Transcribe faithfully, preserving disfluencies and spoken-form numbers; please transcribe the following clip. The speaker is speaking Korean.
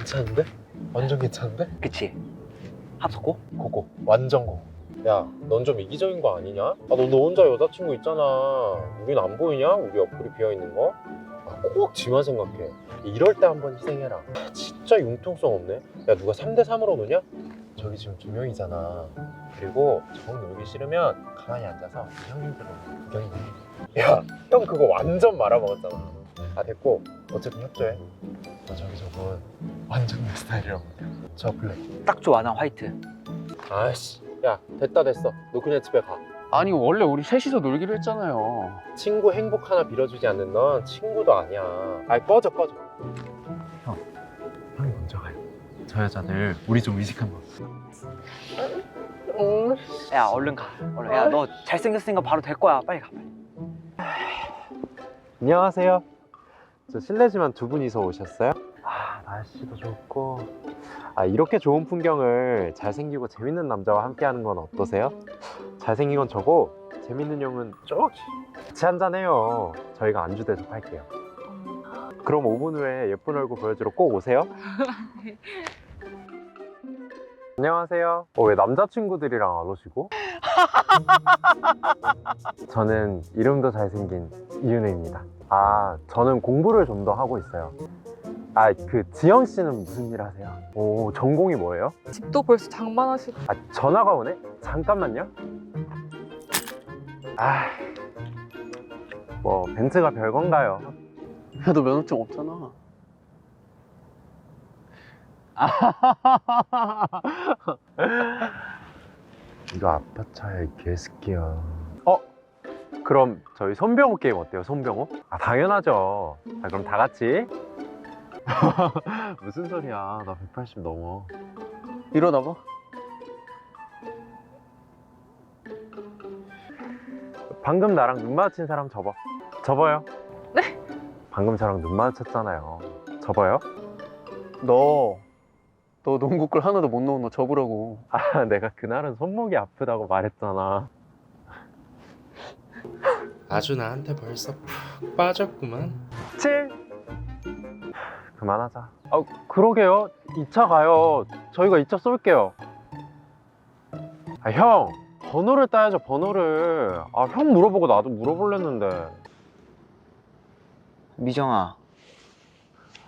괜찮은데? 완전 괜찮은데? 그치? 합석고? 고고 완전 고고. 야, 넌 좀 이기적인 거 아니냐? 아, 너, 너 혼자 여자친구 있잖아. 우린 안 보이냐? 우리 옆구리 비어있는 거? 아, 꼭 지만 생각해. 이럴 때 한번 희생해라. 아, 진짜 융통성 없네. 야, 누가 삼 대 삼으로 노냐? 저기 지금 두 명이잖아. 그리고 정 놀기 싫으면 가만히 앉아서 형님들로 구경이나 해. 야, 형 그거 완전 말아먹었잖아. 아, 됐고 어쨌든 협조해. 너 저기 저분 완전 내 스타일이라고. 저 블랙. 딱 좋아, 난 화이트. 아이씨, 야 됐다 됐어. 너 그냥 집에 가. 아니 원래 우리 셋이서 놀기로 했잖아요. 친구 행복 하나 빌어주지 않는 넌 친구도 아니야. 아이 꺼져 꺼져. 형, 형이 먼저 가요. 저 여자들 우리 좀 의식한 거. 야, 얼른 가. 얼른. 야, 너 잘생겼으니까 바로 될 거야. 빨리 가, 빨리. 안녕하세요. 저 실례지만 두 분이서 오셨어요? 아, 날씨도 좋고. 아, 이렇게 좋은 풍경을 잘생기고 재밌는 남자와 함께하는 건 어떠세요? 잘생긴 건 저고 재밌는 형은 저기. 같이 한잔해요. 저희가 안주 대접할게요. 그럼 오 분 후에 예쁜 얼굴 보여주러 꼭 오세요. 안녕하세요. 어, 왜 남자친구들이랑 안 오시고? 저는 이름도 잘생긴 이윤우입니다. 아, 저는 공부를 좀 더 하고 있어요. 아, 그 지영 씨는 무슨 일 하세요? 오, 전공이 뭐예요? 집도 벌써 장만하시고. 아, 전화가 오네? 잠깐만요. 아, 뭐 벤츠가 별건가요? 야, 너 면허증 없잖아. 이거 아빠 차야, 이 개새끼야. 어? 그럼 저희 손병호 게임 어때요? 손병호? 아, 당연하죠. 자, 그럼 다 같이. 무슨 소리야, 나 백팔십 넘어. 일어나봐. 방금 나랑 눈 마주친 사람 접어. 접어요. 네? 방금 저랑 눈 마주쳤잖아요. 접어요. 너, 너 농구골 하나도 못 넣은 너 접으라고. 아, 내가 그날은 손목이 아프다고 말했잖아. 아주 나한테 벌써 푹 빠졌구만. 칠. 그만하자. 아, 그러게요. 이 차 가요. 저희가 이 차 쏠게요. 아, 형. 번호를 따야죠, 번호를. 아, 형 물어보고 나도 물어볼랬는데. 미정아,